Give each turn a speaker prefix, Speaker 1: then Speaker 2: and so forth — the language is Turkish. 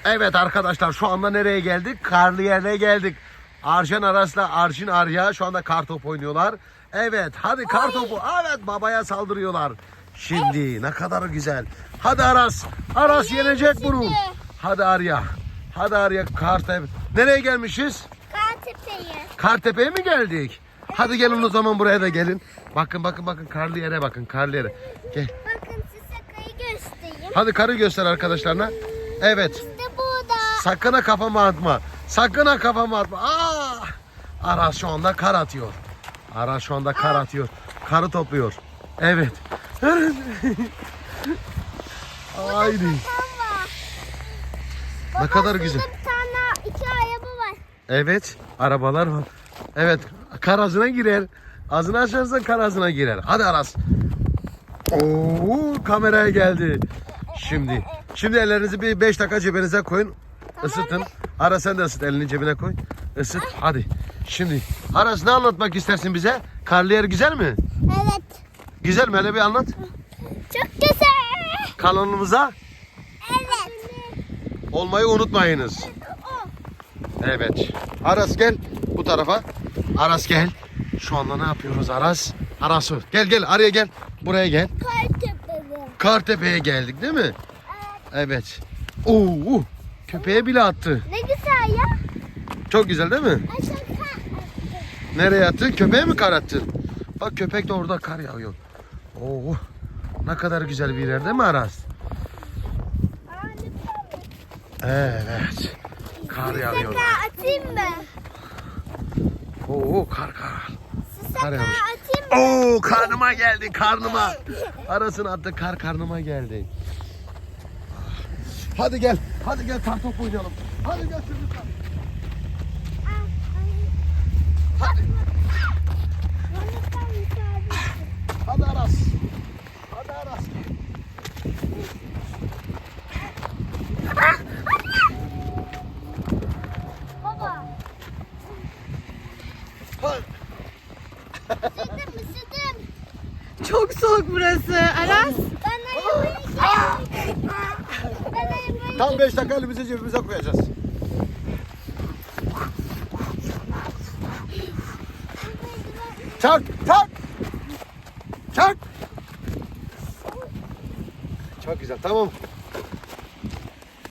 Speaker 1: Evet arkadaşlar, şu anda nereye geldik? Karlı yerine geldik. Arjen Aras'la Arjin Arya şu anda kartop oynuyorlar. Evet hadi kartopu. Evet, babaya saldırıyorlar. Şimdi ne kadar güzel. Hadi Aras. Aras yenecek bunu. Hadi Arya. Hadi Arya, Kartepe. Nereye gelmişiz?
Speaker 2: Kartepe'ye.
Speaker 1: Kartepe'ye mi geldik? Hadi gelin o zaman, buraya da gelin. Bakın karlı yere bakın, karlı yere. Gel.
Speaker 2: Bakın size kayı göstereyim.
Speaker 1: Hadi karı göster arkadaşlarına. Evet.
Speaker 2: İşte burada.
Speaker 1: Sakın ha kafama atma. Sakın ha kafama atma. Aa! Aras şu anda kar atıyor. Aras şu anda kar atıyor. Karı topluyor. Evet. Haydi.
Speaker 2: Tamam.
Speaker 1: Ne kadar güzel.
Speaker 2: Şurada bir tane iki araba var.
Speaker 1: Evet. Arabalar var. Evet. Kar ağzına girer. Ağzını açarsan kar ağzına girer. Hadi Aras. Oo, kameraya geldi. Şimdi ellerinizi bir 5 dakika cebinize koyun. Isıtın. Aras sen de ısıt, elini cebine koy. Isıt hadi. Şimdi Aras, ne anlatmak istersin bize? Karlı yer güzel mi?
Speaker 2: Evet.
Speaker 1: Güzel mi? Hele bir anlat.
Speaker 2: Çok güzel.
Speaker 1: Kanalımıza
Speaker 2: Evet.
Speaker 1: olmayı unutmayınız. Evet. Aras gel bu tarafa. Aras gel. Şu anda ne yapıyoruz Aras? Aras gel araya gel. Buraya gel.
Speaker 2: Kartepe'ye.
Speaker 1: Kartepe'ye geldik değil mi? Evet. Oo, köpeğe bile attı.
Speaker 2: Ne güzel ya.
Speaker 1: Çok güzel değil mi?
Speaker 2: Aşağı
Speaker 1: Nereye attın? Köpeğe mi kar attın? Bak, köpek de orada kar yağıyor. Oo, ne kadar güzel bir yer değil mi Aras? Evet. Kar yağıyor.
Speaker 2: atayım mı?
Speaker 1: Oo, kar.
Speaker 2: Size
Speaker 1: Kar yağmış.
Speaker 2: atayım mı?
Speaker 1: Oo, karnıma geldi, karnıma. Aras'ın attığı kar karnıma geldi. Hadi gel kartop oynayalım. Hadi gel çocuklar. Hadi. Hadi Aras. Hadi Aras.
Speaker 2: Baba.
Speaker 1: Hadi.
Speaker 2: Isıdım.
Speaker 3: Çok soğuk burası. Aras.
Speaker 2: Ben arabayı geldim. Ben arabayı
Speaker 1: Tam 5 dakika elimizi cebimize koyacağız. Çak. Çok güzel, tamam.